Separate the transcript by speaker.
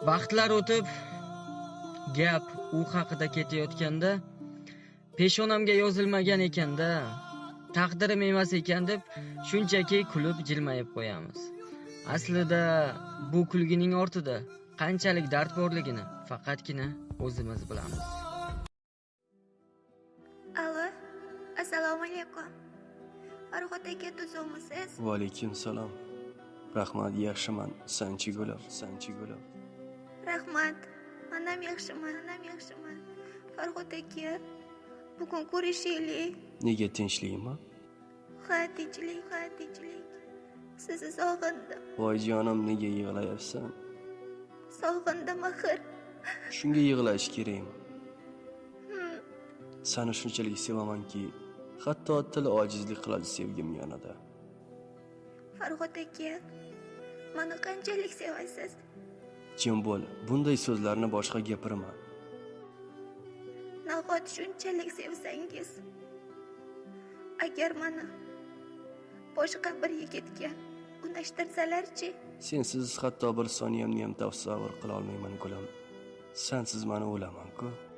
Speaker 1: Vaqtlar o'tib, gap u haqida ketayotganda, peshonamga yozilmagan ekanda, taqdirim emas ekan deb shunchaki kulib jilmayib qo'yamiz. Aslida bu kulgining ortida qanchalik dard borligini faqatgina o'zimiz bilamiz.
Speaker 2: Alo, assalomu alaykum. Farhod aka, tuzukmisiz?
Speaker 3: Va alaykum salom. Rahmat, yaxshiman. Sanchi gulim.
Speaker 2: Rahmat. Manam yaxshiman. Farhod aka, bugun ko'rishaylik.
Speaker 3: Nega tinchlikmi?
Speaker 2: Ha, tinchlik. Sizni sog'indim.
Speaker 3: Voy jonim, nega yig'layapsan?
Speaker 2: Sog'indim axir.
Speaker 3: Shunga yig'lash kerakmi? Seni shunchalik sevamanki, hatto til ojizlik qiladi sevgim yonida.
Speaker 2: Farhod aka, meni qanchalik sevasiz?
Speaker 3: Jim bo'l, bunday so'zlarni boshqa gapirma.
Speaker 2: Nahot shunchalik sevsangiz, agar meni boshqa bir yigitga unashtirsalarchi?
Speaker 3: Sensiz hatto bir soniyamni ham tasavvur qila olmayman gulim. Sensiz meni o'laman-ku.